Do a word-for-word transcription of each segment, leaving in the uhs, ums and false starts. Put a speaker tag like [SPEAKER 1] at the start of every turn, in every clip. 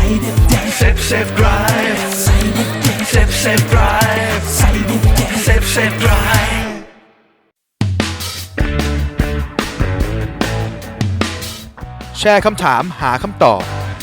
[SPEAKER 1] Safe Safe Drive Safe Safe Drive Safe Safe Drive
[SPEAKER 2] แชร์คำถามหาคำตอบ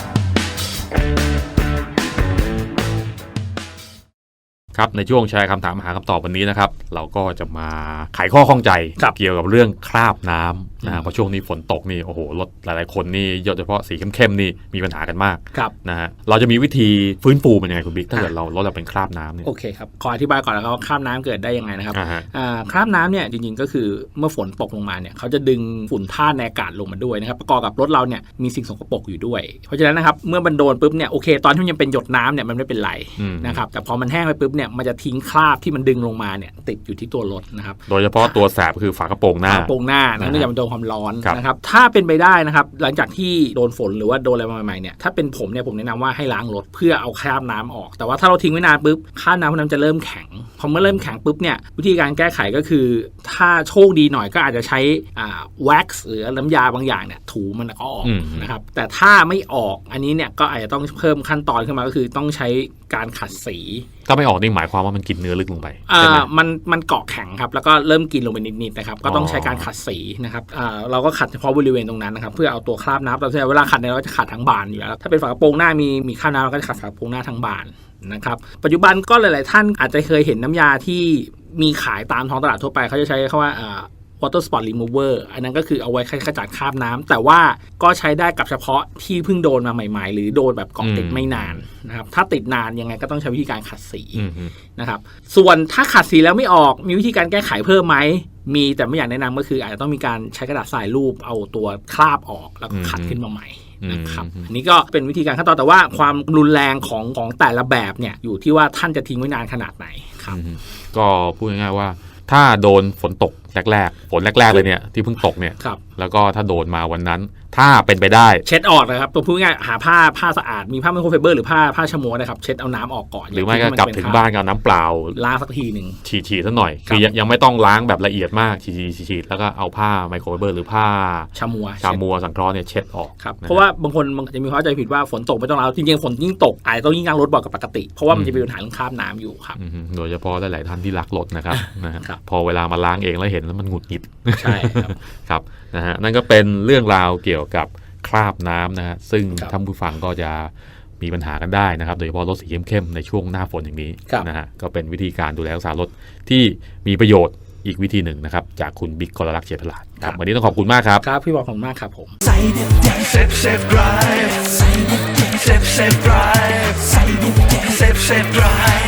[SPEAKER 3] ครับในช่วงแชร์คำถามหาคำตอบวันนี้นะครับเราก็จะมาไขข้อข้องใจเกี่ยวกับเรื่องคราบน้ำนะเพราะช่วงนี้ฝนตกนี่โอ้โหรถหลายๆคนนี่โดยเฉพาะสีเข้มๆนี่มีปัญหากันมากนะฮะเราจะมีวิธีฟื้นฟูมันยังไงคุณบิ๊กถ้าเกิดเรารถเราเป็นคราบน้ำเนี่ย
[SPEAKER 4] โอเคครับขออธิบายก่อนนะครับว่าคราบน้ำเกิดได้ยังไงนะครับคราบน้ำเนี่ยจริงๆก็คือเมื่อฝนตกลงมาเนี่ยเขาจะดึงฝุ่นธาตุในอากาศลงมาด้วยนะครับประกอบกับรถเราเนี่ยมีสิ่งสกปรกอยู่ด้วยเพราะฉะนั้นนะครับเมื่อมันโดนปุ๊บเนี่ยโอเคตอนที่มันยังเป็นหยดน้ำเนี่ยมันไม่เป็นไรนะครับแต่พอมันแห้งไปปุ๊บเนี่ยมันจะทิ้งคราบที่มันดึงลงมาเนี่ยติดอยู่ที่ตัวรถนะครับ
[SPEAKER 3] โดยเฉพาะตัวแสบคือฝากระโปรงหน้า
[SPEAKER 4] ฝากระโปรงหน้าเนื่องจากมันโดนความร้อนนะครับถ้าเป็นไปได้นะครับหลังจากที่โดนฝนหรือว่าโดนอะไรมาใหม่ๆเนี่ยถ้าเป็นผมเนี่ยผมแนะนำว่าให้ล้างรถเพื่อเอาคราบน้ำออกแต่ว่าถ้าเราทิ้งไว้นานปุ๊บคราบน้ำพวกนั้นจะเริ่มแข็งพอเมื่อเริ่มแข็งปุ๊บเนี่ยวิธีการแก้ไขก็คือถ้าโชคดีหน่อยก็อาจจะใช้อ่าแว็กซ์หรือน้ำยาบางอย่างเนี่ยถูมันก็ออกนะครับแต่ถ้าไม่ออกอันนี้เนี่ยก็อาจจะต้องเพิ่มขั้นตอนขึ้นมาก็คือต้องใช้การขัดสี
[SPEAKER 3] ถ้าไม่ออกนี่หมายความว่ามันกินเนื้อลึกลงไป
[SPEAKER 4] อ่ามันมันเกาะแข็งครับแล้วก็เริ่มกินลงไปนิดๆนะครับก็ต้องใช้การขัดสีนะครับอ่าเราก็ขัดเฉพาะบริเวณตรงนั้นนะครับเพื่อเอาตัวคราบน้ำเราเวลาขัดเนี่ยเราจะขัดทั้งบานอยู่แล้วถ้าเป็นฝากระโปรงหน้ามีมีคราบน้ำเราก็จะขัดฝากระโปรงหน้าทั้งบานนะครับปัจจุบันก็หลายๆท่านอาจจะเคยเห็นน้ำยาที่มีขายตามท้องตลาดทั่วไปเขาจะใช้คำว่าอ่าwater spot remover อันนั้นก็คือเอาไว้ขจัดคราบน้ำแต่ว่าก็ใช้ได้กับเฉพาะที่เพิ่งโดนมาใหม่ๆหรือโดนแบบเกาะติดไม่นานนะครับถ้าติดนานยังไงก็ต้องใช้วิธีการขัดสีนะครับส่วนถ้าขัดสีแล้วไม่ออกมีวิธีการแก้ไขเพิ่มไหมมีแต่ไม่อยากแนะนำก็คืออาจจะต้องมีการใช้กระดาษทรายรูปเอาตัวคราบออกแล้วก็ขัดขึ้นมาใหม่นะครับอันนี้ก็เป็นวิธีการขั้นตอนแต่ว่าความรุนแรงของของแต่ละแบบเนี่ยอยู่ที่ว่าท่านจะทิ้งไว้นานขนาดไหนครับ
[SPEAKER 3] ก็พูดง่ายๆว่าถ้าโดนฝนตกแรกๆฝนแรกๆเลยเนี่ยที่เพิ่งตกเนี่ยแล้วก็ถ้าโดนมาวันนั้นถ้าเป็นไปได้
[SPEAKER 4] เช็ดออกนะครับตัวพูดง่ายหาผ้าผ้าสะอาดมีผ้าไมโครไฟเบอร์หรือผ้าผ้าชะมวนะครับเช็ดเอาน้ำออกก่อน
[SPEAKER 3] หรือไม่ก็กลับถึงบ้านก็เอาน้ำเปล่า
[SPEAKER 4] ล้างสักทีหนึ่ง
[SPEAKER 3] ฉีดๆซะหน่อยคือยังไม่ต้องล้างแบบละเอียดมากฉีดๆแล้วก็เอาผ้าไมโครไฟเบอร์หรือผ้า
[SPEAKER 4] ชะมัว
[SPEAKER 3] ชะมัวสังเคราะห์เนี่ยเช็ดออก
[SPEAKER 4] ครับเพราะว่าบางคนบางจะมีความเข้าใจผิดว่าฝนตกไม่ต้องล้างจริงๆฝนยิ่งตกอาจจะต้องยิ่งล้างรถบ่อยกว่าปกติเพราะว่ามันจะมีปัญหาเรื่องคราบน้ำอยู่ครับ
[SPEAKER 3] โดยเฉพาะหลายๆท่านที่รักรถนะครับพอเวลามาล้างเองแล้วเห็นแล้วมันหงุดหงิด
[SPEAKER 4] ใช่ครับ
[SPEAKER 3] ครับนะฮะนั่นก็เป็นเรื่องราวเกี่ยวกับคราบน้ำนะฮะซึ่งท่านผู้ฟังก็จะมีปัญหากันได้นะครับโดยเฉพาะรถสีเข้มๆในช่วงหน้าฝนอย่างนี้นะฮะก็เป็นวิธีการดูแลรักษารถที่มีประโยชน์อีกวิธีหนึ่งนะครับจากคุณบิ๊กกรลักษณ์เฉลิมพลาดครับวันนี้ต้องขอบคุณมากครับ
[SPEAKER 4] ครับพี่บอกขอบคุณมากครับผม
[SPEAKER 1] Safe Safe Drive Safe Safe Drive Safe Safe Drive